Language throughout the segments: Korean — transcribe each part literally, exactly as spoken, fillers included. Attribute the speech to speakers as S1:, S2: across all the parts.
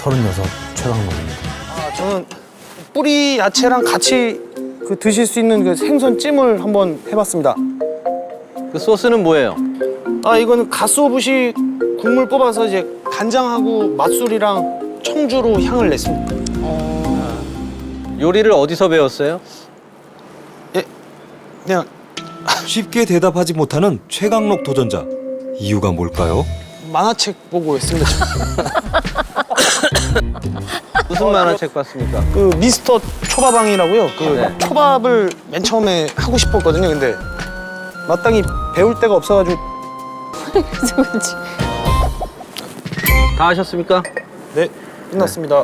S1: 서른여섯 최강록입니다.
S2: 아, 저는 뿌리 야채랑 같이 그 드실 수 있는 그 생선찜을 한번 해봤습니다.
S3: 그 소스는 뭐예요?
S2: 아, 이거는 가스오부시 국물 뽑아서 이제 간장하고 맛술이랑 청주로 향을 냈습니다.
S3: 요리를 어디서 배웠어요?
S2: 예, 그냥
S4: 쉽게 대답하지 못하는 최강록 도전자. 이유가 뭘까요?
S2: 만화책 보고 했습니다.
S3: 무슨 만화책 봤습니까?
S2: 그 미스터 초밥왕이라고요. 그
S3: 네.
S2: 초밥을 맨 처음에 하고 싶었거든요. 근데 마땅히 배울 데가 없어가지고.
S5: 그치.
S3: 다 하셨습니까?
S2: 네, 끝났습니다.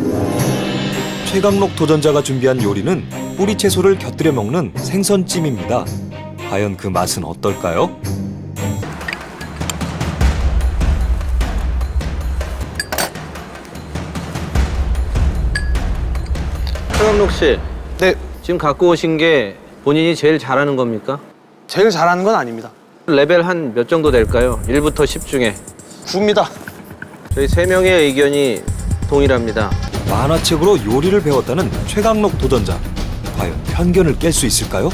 S4: 최강록 도전자가 준비한 요리는 뿌리 채소를 곁들여 먹는 생선찜입니다. 과연 그 맛은 어떨까요?
S3: 최강록 씨,
S2: 네,
S3: 지금 갖고 오신 게 본인이 제일 잘하는 겁니까?
S2: 제일 잘하는 건 아닙니다.
S3: 레벨 한 몇 정도 될까요? 일부터 십 중에.
S2: 구입니다.
S3: 저희 세 명의 의견이 동일합니다.
S4: 만화책으로 요리를 배웠다는 최강록 도전자. 과연 편견을 깰 수 있을까요?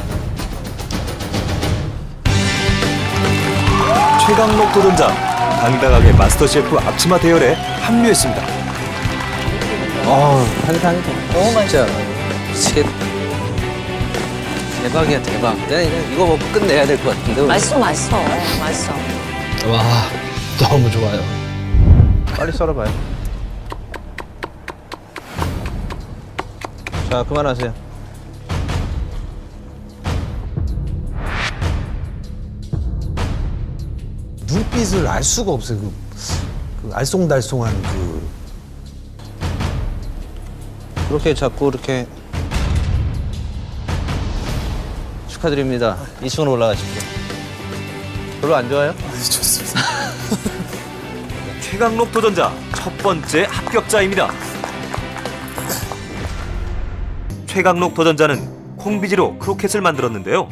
S4: 최강록 도전자, 당당하게 마스터셰프 앞치마 대열에 합류했습니다.
S3: 어, 한상이다. 너무 맛있어. 미치겠다. 대박이야, 대박. 내가 이거, 이거 먹고 끝내야 될 것 같은데. 오늘.
S5: 맛있어, 맛있어. 맛있어.
S1: 와, 너무 좋아요.
S3: 빨리 썰어봐요. 자, 그만하세요.
S1: 눈빛을 알 수가 없어요. 그, 그 알쏭달쏭한 그.
S3: 그렇게 자꾸 이렇게 축하드립니다. 이 층으로 올라가십시오. 별로 안 좋아요?
S2: 좋습니다.
S4: 최강록 도전자 첫 번째 합격자입니다. 최강록 도전자는 콩비지로 크로켓을 만들었는데요.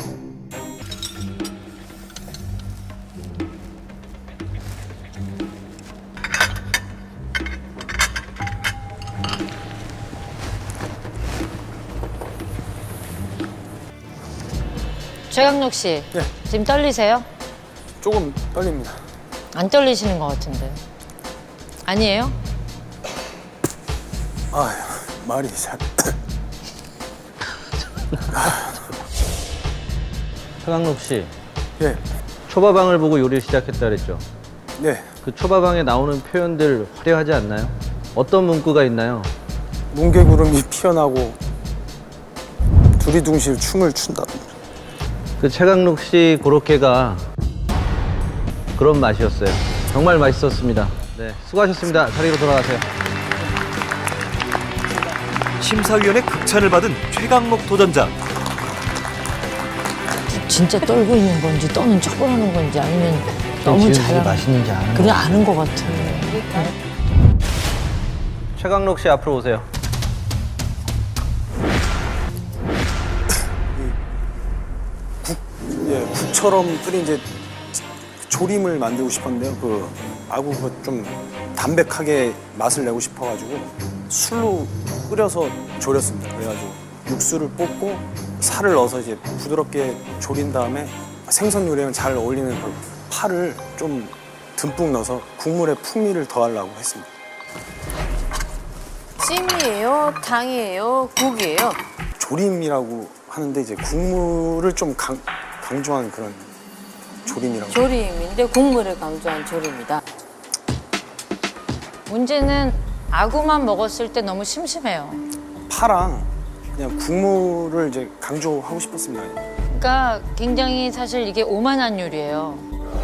S5: 최강록 씨,
S2: 네.
S5: 지금 떨리세요?
S2: 조금 떨립니다.
S5: 안 떨리시는 것 같은데. 아니에요?
S2: 아휴, 말이 잘.
S3: 최강록 씨,
S2: 예,
S3: 초밥왕을 보고 요리를 시작했다 그랬죠?
S2: 네.
S3: 그 초밥왕에 나오는 표현들 화려하지 않나요? 어떤 문구가 있나요?
S2: 뭉게구름이 피어나고 두리둥실 춤을 춘다.
S3: 그 최강록 씨 고로케가 그런 맛이었어요. 정말 맛있었습니다. 네, 수고하셨습니다. 자리로 돌아가세요.
S4: 심사위원의 극찬을 받은 최강록 도전자.
S5: 진짜 떨고 있는 건지 떠는 척을 하는 건지 아니면 너무 잘
S1: 맛있는지 아는
S5: 그냥 아는 것 같아.
S3: 최강록 씨 앞으로 오세요.
S2: 예, 국처럼 끓인 이제 조림을 만들고 싶었는데요. 그 아구가 좀 담백하게 맛을 내고 싶어가지고 술로 끓여서 졸였습니다. 그래가지고 육수를 볶고 살을 넣어서 이제 부드럽게 졸인 다음에 생선 요리랑 잘 어울리는 그 파를 좀 듬뿍 넣어서 국물에 풍미를 더하려고 했습니다.
S6: 찜이에요? 탕이에요? 국이에요?
S2: 조림이라고 하는데 이제 국물을 좀 강, 강조한 그런 조림이라고.
S6: 조림인데 국물을 강조한 조림이다.
S5: 문제는 아구만 먹었을 때 너무 심심해요.
S2: 파랑 그냥 국물을 이제 강조하고 싶었습니다.
S5: 그러니까 굉장히 사실 이게 오만한 요리예요.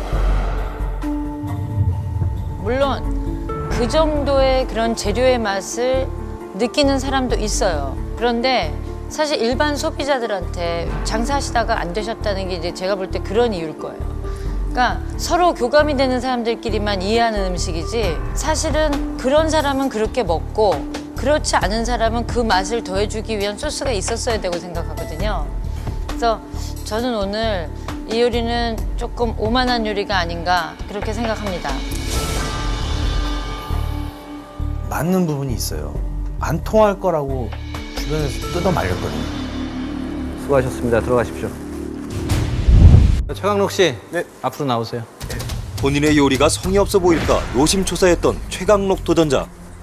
S5: 물론 그 정도의 그런 재료의 맛을 느끼는 사람도 있어요. 그런데 사실 일반 소비자들한테 장사하시다가 안 되셨다는 게 이제 제가 볼 때 그런 이유일 거예요. 그러니까 서로 교감이 되는 사람들끼리만 이해하는 음식이지 사실은 그런 사람은 그렇게 먹고 그렇지 않은 사람은 그 맛을 더해주기 위한 소스가 있었어야 되고 생각하거든요. 그래서 저는 오늘 이 요리는 조금 오만한 요리가 아닌가 그렇게 생각합니다.
S1: 맞는 부분이 있어요. 안 통할 거라고 주변에서 뜯어 말렸거든요.
S3: 수고하셨습니다. 들어가십시오. 최강록 씨,
S2: 네.
S3: 앞으로 나오세요.
S4: 본인의 요리가 성의 없어 보일까 노심초사했던 최강록 도전자.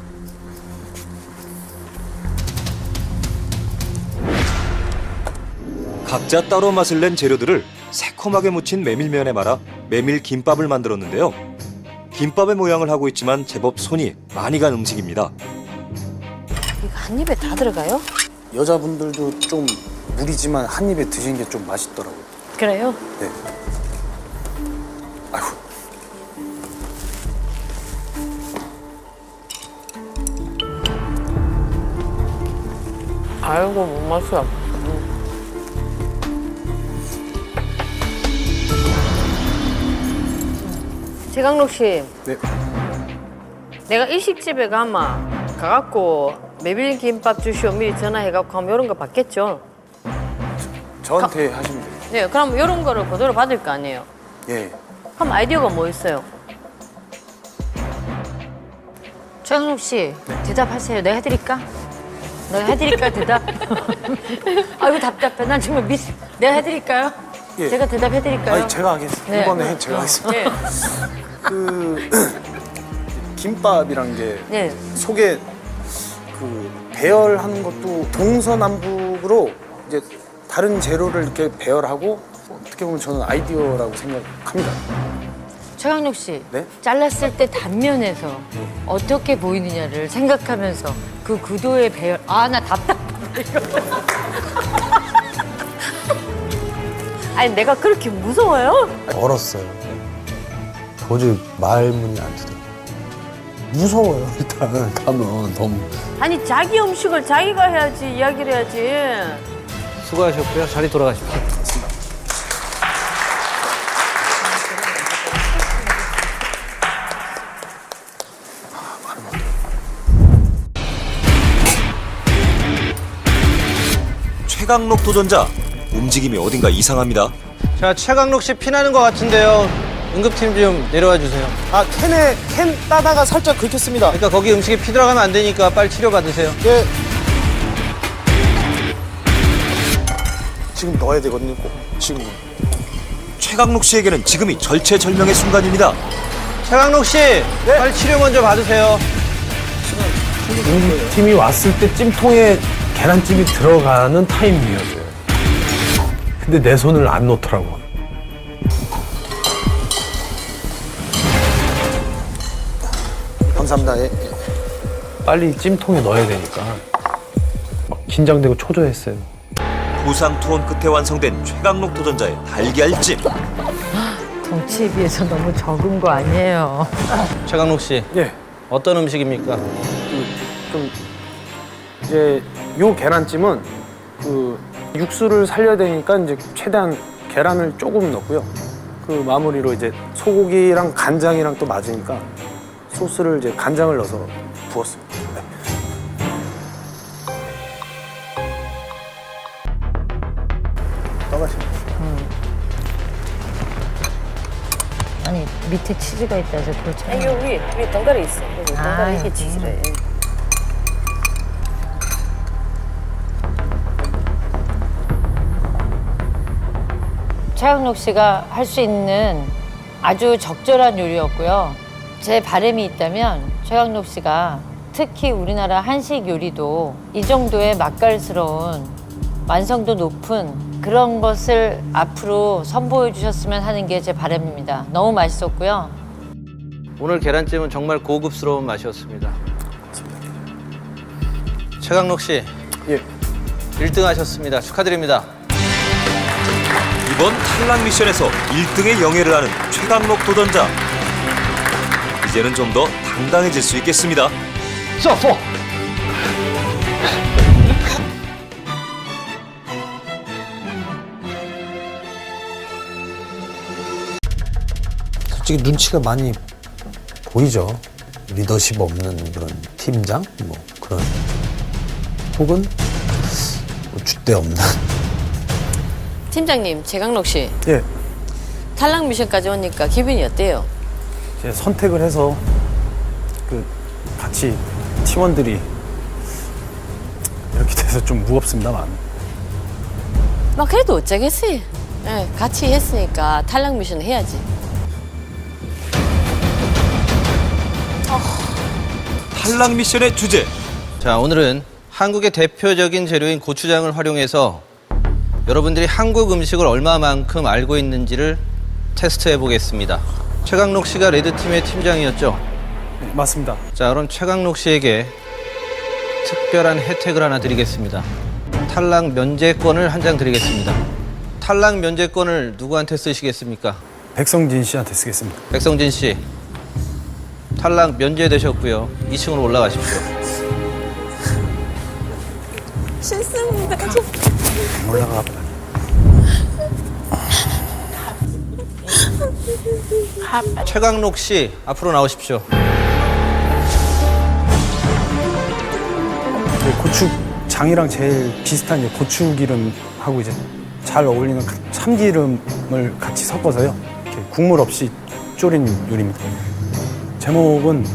S4: 각자 따로 맛을 낸 재료들을 새콤하게 무친 메밀면에 말아 메밀 김밥을 만들었는데요. 김밥의 모양을 하고 있지만 제법 손이 많이 간 음식입니다.
S6: 이거 한 입에 다 들어가요?
S2: 여자분들도 좀 무리지만 한 입에 드시는 게 좀 맛있더라고요.
S6: 그래요?
S2: 네. 아이고.
S6: 아이고 못 마셔. 최강록 씨,
S2: 네.
S6: 내가 일식집에 가마 가갖고 메밀김밥 주시오 미리 전화해갖고 하면 이런 거 받겠죠?
S2: 저한테 하시면 돼요.
S6: 네, 그럼 이런 거를 그대로 받을 거 아니에요?
S2: 예.
S6: 그럼 아이디어가 뭐 있어요?
S5: 최강록 씨 대답하세요. 내가 해드릴까? 내가 해드릴까 대답? 아이고 답답해. 난 정말 미스. 내가 해드릴까요?
S2: 예.
S5: 제가 대답해드릴까요?
S2: 아니 제가 하겠습니다.
S5: 네.
S2: 이번에 제가 하겠습니다.
S6: 네.
S2: 그 김밥이란 게
S6: 네.
S2: 속에 그 배열하는 것도 동서남북으로 이제 다른 재료를 이렇게 배열하고 어떻게 보면 저는 아이디어라고 생각합니다.
S5: 최강록 씨,
S2: 네?
S5: 잘랐을 때 단면에서 어떻게 보이느냐를 생각하면서 그 구도의 배열. 아, 나 답답해. 이거.
S6: 아니 내가 그렇게 무서워요?
S1: 얼었어요. 도저히 말문이 안 트더라고요. 무서워요, 일단. 가면 너무.
S6: 아니 자기 음식을 자기가 해야지 이야기를 해야지.
S3: 수고하셨고요. 자리 돌아가십시오.
S4: 최강록 도전자. 움직임이 어딘가 이상합니다.
S3: 자, 최강록 씨 피나는 것 같은데요. 응급팀 좀 내려와 주세요.
S2: 아 캔에 캔 따다가 살짝 긁혔습니다.
S3: 그러니까 거기 음식에 피 들어가면 안 되니까 빨리 치료 받으세요.
S2: 예. 지금 넣어야 되거든요. 꼭 지금.
S4: 최강록 씨에게는 지금이 절체절명의 순간입니다.
S3: 최강록 씨, 빨리 치료 먼저 받으세요.
S1: 팀이 왔을 때 찜통에 계란찜이 들어가는 타이밍이었어요. 근데 내 손을 안 놓더라고.
S2: 감사합니다. 예. 예.
S1: 빨리 찜통에 넣어야 되니까 막 긴장되고 초조했어요.
S4: 부상 투혼 끝에 완성된 최강록 도전자의 달걀찜.
S5: 덩치에 비해서 너무 적은 거 아니에요?
S3: 최강록 씨,
S2: 예.
S3: 어떤 음식입니까?
S2: 좀 이제 요 계란찜은 그 육수를 살려야 되니까 이제 최대한 계란을 조금 넣고요. 그 마무리로 이제 소고기랑 간장이랑 또 맞으니까 소스를 이제 간장을 넣어서 부었습니다. 네. 떠가시면.
S5: 아니 밑에 치즈가 있다 해서 그렇죠.
S6: 아니 여기 위에 덩가리 있어. 여기
S5: 아,
S6: 덩가리 이게
S5: 여기.
S6: 치즈래.
S5: 최강록 씨가 할 수 있는 아주 적절한 요리였고요. 제 바람이 있다면 최강록 씨가 특히 우리나라 한식 요리도 이 정도의 맛깔스러운 완성도 높은 그런 것을 앞으로 선보여 주셨으면 하는 게 제 바람입니다. 너무 맛있었고요.
S3: 오늘 계란찜은 정말 고급스러운 맛이었습니다. 최강록 씨,
S2: 예.
S3: 일 등 하셨습니다. 축하드립니다.
S4: 이번 탈락 미션에서 일 등의 영예를 하는 최강록 도전자. 이제는 좀 더 당당해질 수 있겠습니다.
S3: 쏘!
S1: 솔직히 눈치가 많이 보이죠. 리더십 없는 그런 팀장 뭐 그런 혹은 뭐 줏대 없는.
S6: 팀장님, 최강록 씨
S2: 예.
S6: 탈락 미션까지 오니까 기분이 어때요?
S2: 이제 선택을 해서 그 같이 팀원들이 이렇게 돼서 좀 무겁습니다만.
S6: 막 그래도 어쩌겠어요. 예, 같이 했으니까 탈락 미션 해야지.
S4: 탈락 미션의 주제.
S3: 자, 오늘은 한국의 대표적인 재료인 고추장을 활용해서 여러분들이 한국 음식을 얼마만큼 알고 있는지를 테스트해 보겠습니다. 최강록 씨가 레드팀의 팀장이었죠?
S2: 네, 맞습니다.
S3: 자, 그럼 최강록 씨에게 특별한 혜택을 하나 드리겠습니다. 탈락 면제권을 한 장 드리겠습니다. 탈락 면제권을 누구한테 쓰시겠습니까?
S2: 백성진 씨한테 쓰겠습니다.
S3: 백성진 씨, 탈락 면제되셨고요. 이 층으로 올라가십시오.
S2: 올라가.
S3: 최강록 씨, 앞으로 나오십시오.
S2: 네, 고추장이랑 제일 비슷한 이제 고추기름하고 이제 잘 어울리는 참기름을 같이 섞어서요. 이렇게 국물 없이 졸인 요리입니다. 제목은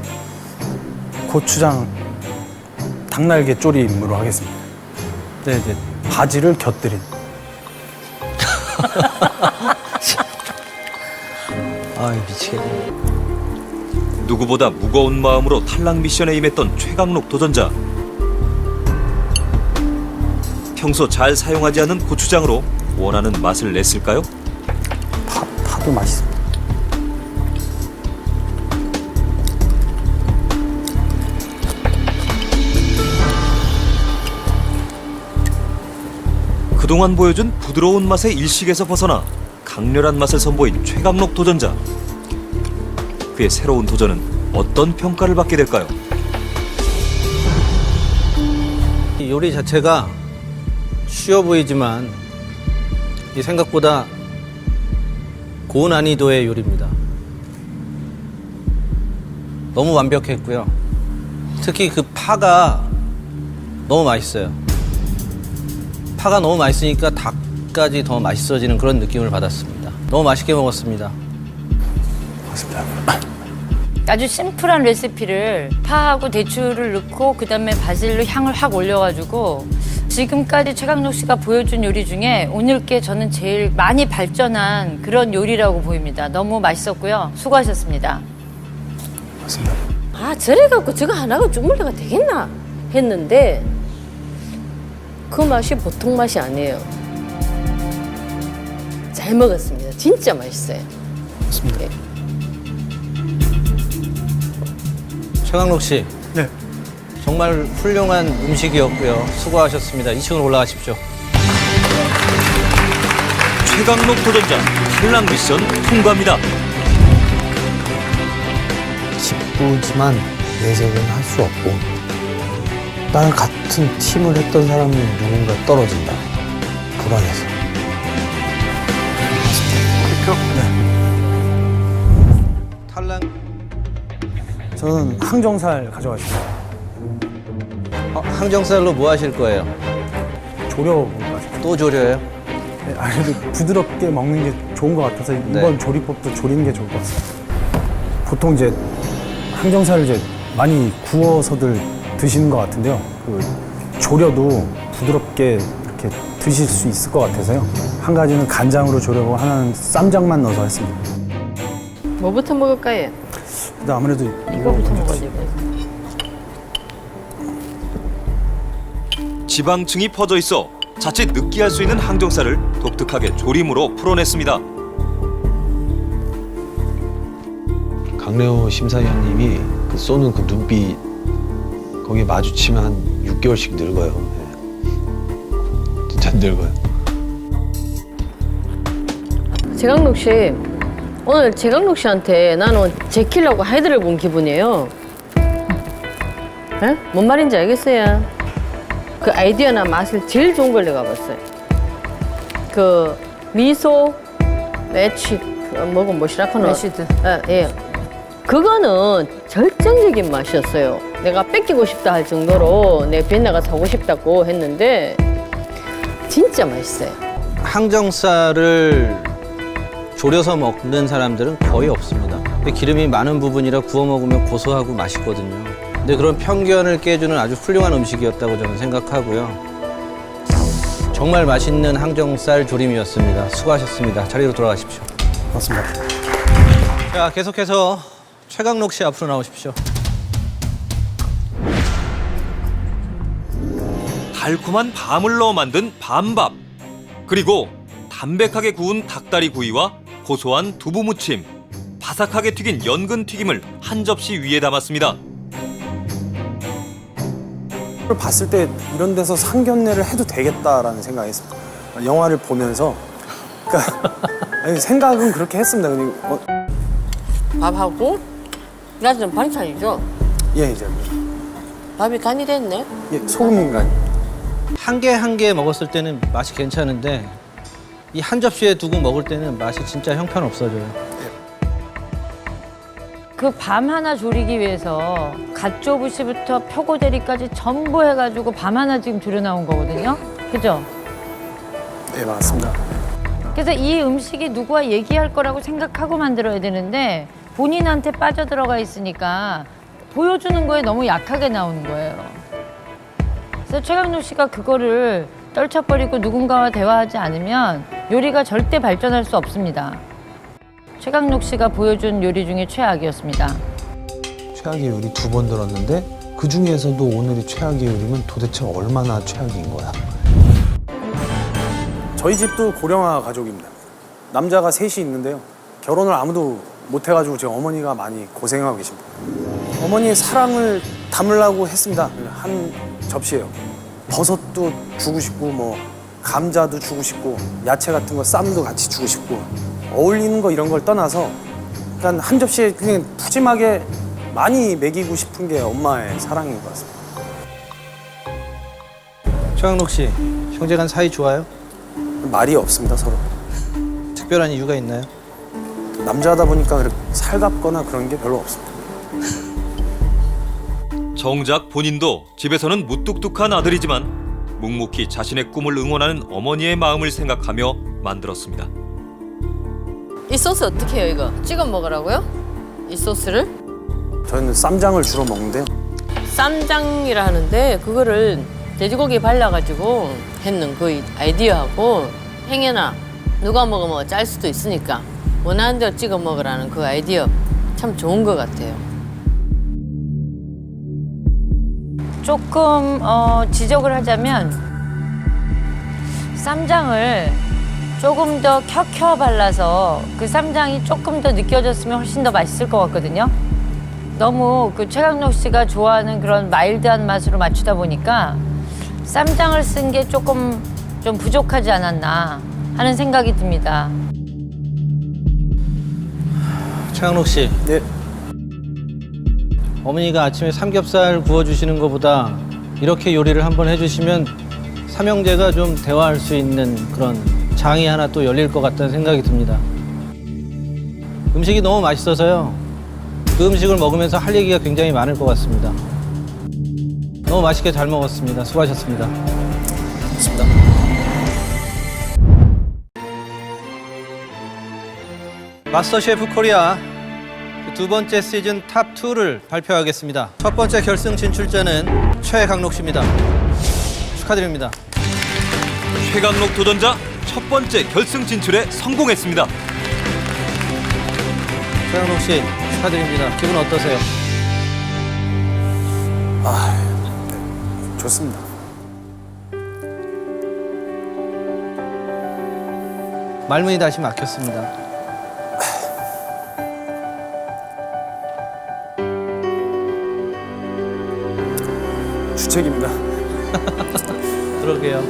S2: 고추장 닭날개 조림으로 하겠습니다. 네, 이제 바지를 곁들인.
S3: 아, 미치겠네.
S4: 누구보다 무거운 마음으로 탈락 미션에 임했던 최강록 도전자. 평소 잘 사용하지 않는 고추장으로 원하는 맛을 냈을까요?
S2: 파, 파도 맛있습니다.
S4: 그동안 보여준 부드러운 맛의 일식에서 벗어나 강렬한 맛을 선보인 최강록 도전자. 그의 새로운 도전은 어떤 평가를 받게 될까요?
S3: 이 요리 자체가 쉬워 보이지만 이 생각보다 고난이도의 요리입니다. 너무 완벽했고요. 특히 그 파가 너무 맛있어요. 파가 너무 맛있으니까 닭까지 더 맛있어지는 그런 느낌을 받았습니다. 너무 맛있게 먹었습니다.
S2: 맞습니다.
S5: 아주 심플한 레시피를 파하고 대추를 넣고 그다음에 바질로 향을 확 올려가지고 지금까지 최강록 씨가 보여준 요리 중에 오늘 게 저는 제일 많이 발전한 그런 요리라고 보입니다. 너무 맛있었고요. 수고하셨습니다.
S2: 맞습니다.
S6: 아, 저래갖고 저거 하나가 주물러가 되겠나 했는데 그 맛이 보통 맛이 아니에요. 잘 먹었습니다. 진짜 맛있어요.
S2: 맞습니다.
S6: 네.
S3: 최강록 씨,
S2: 네.
S3: 정말 훌륭한 음식이었고요. 수고하셨습니다. 이 층으로 올라가십시오.
S4: 최강록 도전자 탈락 미션 통과입니다.
S1: 기쁘지만 내색은 할 수 없고 나랑 같은 팀을 했던 사람이 누군가 떨어진다. 불안해서.
S3: 탈락.
S2: 저는 항정살 가져가시고
S3: 어, 항정살로 뭐 하실 거예요?
S2: 조려 먹을 것 같아요.
S3: 또 조려요?
S2: 네, 아무래도 부드럽게 먹는 게 좋은 것 같아서 이번 조리법도 조리는 게 좋을 것 같습니다. 보통 이제 항정살을 이제 많이 구워서들 드시는 것 같은데요. 그 조려도 부드럽게 이렇게 드실 수 있을 것 같아서요. 한 가지는 간장으로 조려고 하나는 쌈장만 넣어서 했습니다.
S6: 뭐부터 먹을까요?
S2: 근데 아무래도
S6: 이거부터 먹어야지.
S4: 지방층이 퍼져 있어 자칫 느끼할 수 있는 항정살을 독특하게 조림으로 풀어냈습니다.
S1: 강래호 심사위원님이 그 쏘는 그 눈빛 거기에 마주치면 한 육 개월씩 늙어요. 네. 진짜 늙어요.
S6: 최강록 씨, 오늘 최강록 씨한테 나는 제키려고 헤드를 본 기분이에요. 에? 뭔 말인지 알겠어요? 그 아이디어나 맛을 제일 좋은 걸 내가 봤어요. 그 미소 매치 그 뭐고 뭐시라카노
S5: 매시드.
S6: 예, 예. 그거는 절정적인 맛이었어요. 내가 뺏기고 싶다 할 정도로 내 비엔나가 사고 싶다고 했는데 진짜 맛있어요.
S3: 항정살을 졸여서 먹는 사람들은 거의 없습니다. 근데 기름이 많은 부분이라 구워 먹으면 고소하고 맛있거든요. 근데 그런 편견을 깨주는 아주 훌륭한 음식이었다고 저는 생각하고요. 정말 맛있는 항정살 조림이었습니다. 수고하셨습니다. 자리로 돌아가십시오.
S2: 맞습니다.
S3: 자, 계속해서 최강록 씨 앞으로 나오십시오.
S4: 달콤한 밤을 넣어 만든 밤밥, 그리고 담백하게 구운 닭다리 구이와 고소한 두부 무침, 바삭하게 튀긴 연근 튀김을 한 접시 위에 담았습니다.
S2: 그걸 봤을 때 이런 데서 상견례를 해도 되겠다라는 생각이 했습니다. 영화를 보면서 그러니까 아니, 생각은 그렇게 했습니다. 근데 어,
S6: 밥하고 나는 반찬이죠.
S2: 예 이제
S6: 밥이 간이 됐네.
S2: 예, 소금인간
S3: 한 개 한 개 먹었을 때는 맛이 괜찮은데 이 한 접시에 두고 먹을 때는 맛이 진짜 형편없어져요.
S5: 그 밤 하나 조리기 위해서 갓조부시부터 표고대리까지 전부 해가지고 밤 하나 지금 조려 나온 거거든요. 그죠?
S2: 예 맞습니다.
S5: 그래서 이 음식이 누구와 얘기할 거라고 생각하고 만들어야 되는데 본인한테 빠져들어가 있으니까 보여주는 거에 너무 약하게 나오는 거예요. 그래서 최강록 씨가 그거를 떨쳐버리고 누군가와 대화하지 않으면 요리가 절대 발전할 수 없습니다. 최강록 씨가 보여준 요리 중에 최악이었습니다.
S1: 최악의 요리 두 번 들었는데 그 중에서도 오늘이 최악의 요리면 도대체 얼마나 최악인 거야?
S2: 저희 집도 고령화 가족입니다. 남자가 셋이 있는데요. 결혼을 아무도 못 해가지고 제 어머니가 많이 고생하고 계십니다. 어머니의 사랑을 담으려고 했습니다. 한 접시예요. 버섯도 주고 싶고 뭐 감자도 주고 싶고 야채 같은 거 쌈도 같이 주고 싶고 어울리는 거 이런 걸 떠나서 그러니까 한 접시에 그냥 푸짐하게 많이 먹이고 싶은 게 엄마의 사랑인 것 같습니다.
S3: 최강록 씨, 형제간 사이 좋아요?
S2: 말이 없습니다 서로.
S3: 특별한 이유가 있나요?
S2: 남자다 보니까 그렇게 살갑거나 그런 게 별로 없습니다.
S4: 정작 본인도 집에서는 무뚝뚝한 아들이지만 묵묵히 자신의 꿈을 응원하는 어머니의 마음을 생각하며 만들었습니다.
S6: 이 소스 어떻게 해요, 이거? 찍어 먹으라고요? 이 소스를?
S2: 저희는 쌈장을 주로 먹는데요.
S6: 쌈장이라 하는데 그거를 돼지고기에 발라가지고 했는 그 아이디어하고 행여나 누가 먹으면 짤 수도 있으니까 원하는 대로 찍어 먹으라는 그 아이디어 참 좋은 것 같아요.
S5: 조금 어, 지적을 하자면 쌈장을 조금 더 켜켜 발라서 그 쌈장이 조금 더 느껴졌으면 훨씬 더 맛있을 것 같거든요. 너무 그 최강록 씨가 좋아하는 그런 마일드한 맛으로 맞추다 보니까 쌈장을 쓴 게 조금 좀 부족하지 않았나 하는 생각이 듭니다.
S3: 최강록 씨,
S2: 네.
S3: 어머니가 아침에 삼겹살 구워주시는 것보다 이렇게 요리를 한번 해주시면 삼형제가 좀 대화할 수 있는 그런 장이 하나 또 열릴 것 같다는 생각이 듭니다. 음식이 너무 맛있어서요. 그 음식을 먹으면서 할 얘기가 굉장히 많을 것 같습니다. 너무 맛있게 잘 먹었습니다. 수고하셨습니다.
S2: 맞습니다.
S3: 마스터 셰프 코리아 두 번째 시즌 탑이를 발표하겠습니다. 첫 번째 결승 진출자는 최강록 씨입니다. 축하드립니다.
S4: 최강록 도전자 첫 번째 결승 진출에 성공했습니다.
S3: 최강록 씨 축하드립니다. 기분 어떠세요?
S2: 아, 네, 좋습니다.
S3: 말문이 다시 막혔습니다.
S2: 주책입니다.
S3: 그러게요.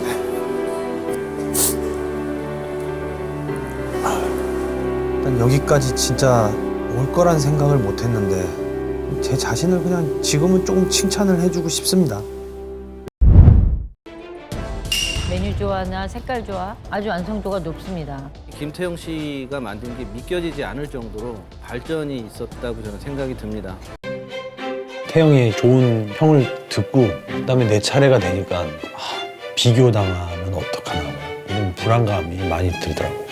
S1: 난 여기까지 진짜 올 거란 생각을 못 했는데 제 자신을 그냥 지금은 조금 칭찬을 해주고 싶습니다.
S5: 메뉴 조화나 색깔 조화 아주 완성도가 높습니다.
S3: 김태형 씨가 만든 게 믿겨지지 않을 정도로 발전이 있었다고 저는 생각이 듭니다.
S1: 태영의 좋은 평을 듣고 그다음에 내 차례가 되니까 아, 비교당하면 어떡하나 이런 불안감이 많이 들더라고요.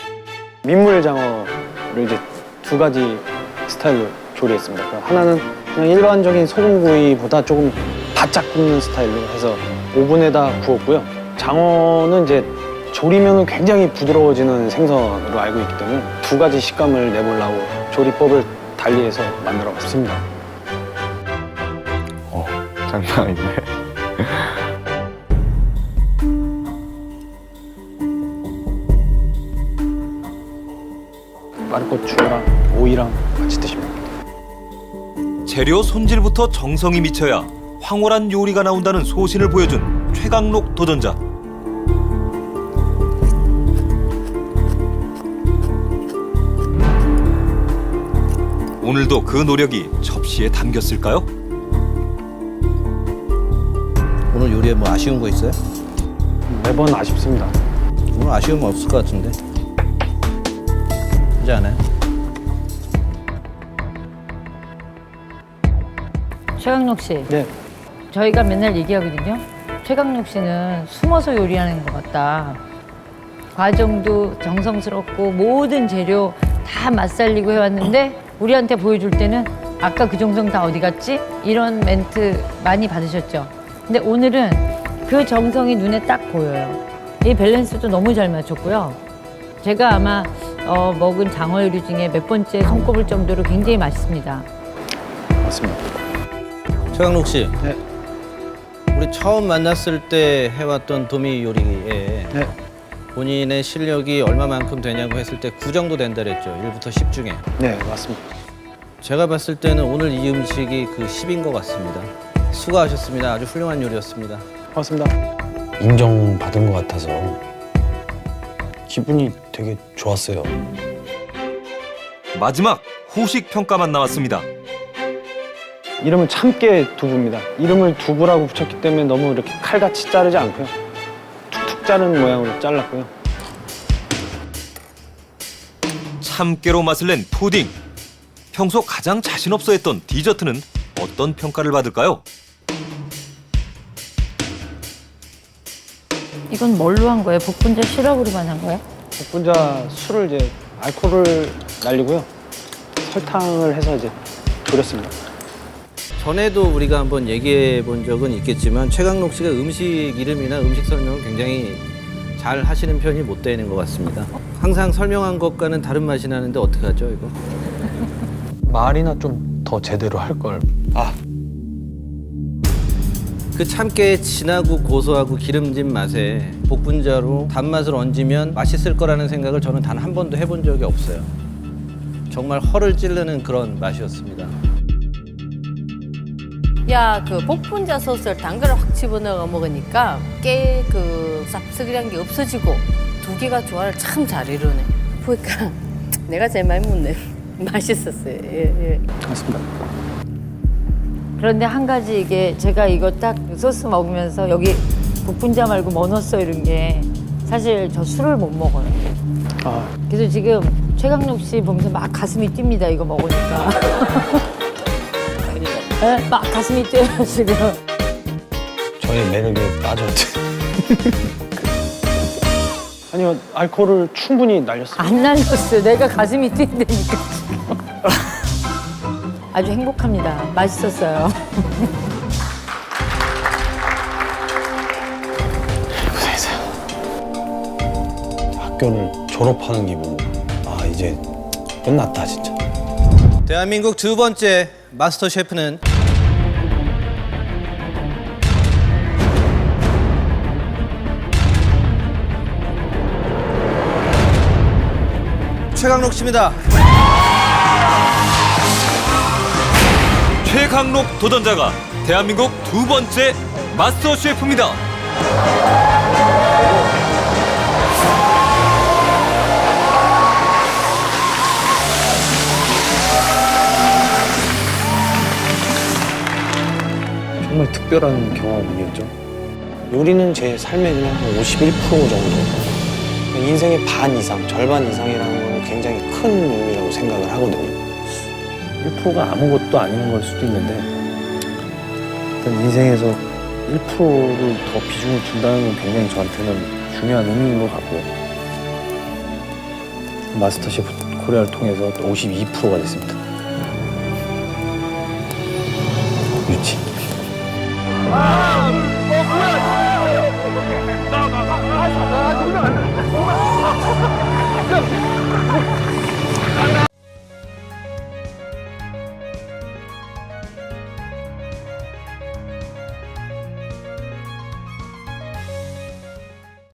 S2: 민물장어를 이제 두 가지 스타일로 조리했습니다. 하나는 그냥 일반적인 소금구이보다 조금 바짝 굽는 스타일로 해서 오븐에다 구웠고요. 장어는 이제 조리면은 굉장히 부드러워지는 생선으로 알고 있기 때문에 두 가지 식감을 내보려고 조리법을 달리해서 만들어 봤습니다.
S7: 어, 장난 아닌데.
S2: 마르고추랑 오이랑 같이 드시면 됩니다.
S4: 재료 손질부터 정성이 미쳐야 황홀한 요리가 나온다는 소신을 보여준 최강록 도전자. 오늘도 그 노력이 접시에 담겼을까요?
S3: 오늘 요리에 뭐 아쉬운 거 있어요?
S2: 매번 아쉽습니다.
S3: 오늘 아쉬움 없을 것 같은데. 그렇지 않아요?
S5: 최강록 씨,
S2: 네.
S5: 저희가 맨날 얘기하거든요. 최강록 씨는 숨어서 요리하는 것 같다. 과정도 정성스럽고 모든 재료 다 맛살리고 해왔는데 우리한테 보여줄 때는 아까 그 정성 다 어디 갔지? 이런 멘트 많이 받으셨죠. 근데 오늘은 그 정성이 눈에 딱 보여요. 이 밸런스도 너무 잘 맞췄고요. 제가 아마 어, 먹은 장어 요리 중에 몇 번째 손꼽을 정도로 굉장히 맛있습니다.
S2: 맞습니다.
S3: 최강록 씨.
S2: 네.
S3: 우리 처음 만났을 때 해왔던 도미 요리에
S2: 네.
S3: 본인의 실력이 얼마만큼 되냐고 했을 때 구 정도 된다 그랬죠. 일부터 십 중에.
S2: 네, 맞습니다.
S3: 제가 봤을 때는 오늘 이 음식이 그 십인 것 같습니다. 수고하셨습니다. 아주 훌륭한 요리였습니다.
S2: 고맙습니다.
S1: 인정받은 것 같아서 기분이 되게 좋았어요.
S4: 마지막 후식 평가만 남았습니다.
S2: 이름은 참깨 두부입니다. 이름을 두부라고 붙였기 때문에 너무 이렇게 칼같이 자르지 않고요. 툭툭 자르는 모양으로 잘랐고요.
S4: 참깨로 맛을 낸 푸딩. 평소 가장 자신 없어 했던 디저트는 어떤 평가를 받을까요?
S5: 이건 뭘로 한 거예요? 복분자 시럽으로만 한 거예요?
S2: 복분자 술을 이제 알코올을 날리고요. 설탕을 해서 이제 졸였습니다.
S3: 전에도 우리가 한번 얘기해 본 적은 있겠지만 최강록 씨가 음식 이름이나 음식 설명을 굉장히 잘 하시는 편이 못 되는 것 같습니다. 항상 설명한 것과는 다른 맛이 나는데 어떡하죠, 이거?
S1: 말이나 좀 더 제대로 할 걸. 아,
S3: 그 참깨의 진하고 고소하고 기름진 맛에 복분자로 단맛을 얹으면 맛있을 거라는 생각을 저는 단 한 번도 해본 적이 없어요. 정말 허를 찌르는 그런 맛이었습니다.
S6: 야, 그 복분자 소스를 당근을 확 집어넣어 먹으니까 깨 그 쌉싸기란 게 없어지고 두 개가 조화를 참 잘 이루네. 보니까 내가 제일 많이 먹네. 맛있었어요. 예, 예.
S2: 맞습니다.
S5: 그런데 한 가지 이게 제가 이거 딱 소스 먹으면서 여기 복분자 말고 뭐 넣었어 이런 게 사실 저 술을 못 먹어요.
S2: 아,
S5: 그래서 지금 최강록 씨 보면서 막 가슴이 뜁니다. 이거 먹으니까. 네, 막 가슴이 뛰어요 지금.
S1: 저의 매력에 빠졌지.
S2: 아니요, 알코올을 충분히 날렸습니다.
S5: 안 날렸어요. 내가 가슴이 뛴다니까. 아주 행복합니다. 맛있었어요.
S1: 학교를 졸업하는 기분. 아, 이제 끝났다 진짜.
S3: 대한민국 두 번째 마스터 셰프는 최강록 씨입니다.
S4: 최강록 도전자가 대한민국 두 번째 마스터 셰프입니다.
S1: 정말 특별한 경험이었죠. 요리는 제 삶의 그냥 한 오십일 퍼센트 정도. 인생의 반 이상, 절반 이상이라는 건 굉장히 큰 의미라고 생각을 하거든요.
S8: 일 퍼센트가 아무것도 아닌 걸 수도 있는데 일단 인생에서 일 퍼센트를 더 비중을 준다는 건 굉장히 저한테는 중요한 의미인 것 같고요. 마스터셰프 코리아를 통해서 오십이 퍼센트가 됐습니다.
S7: 야,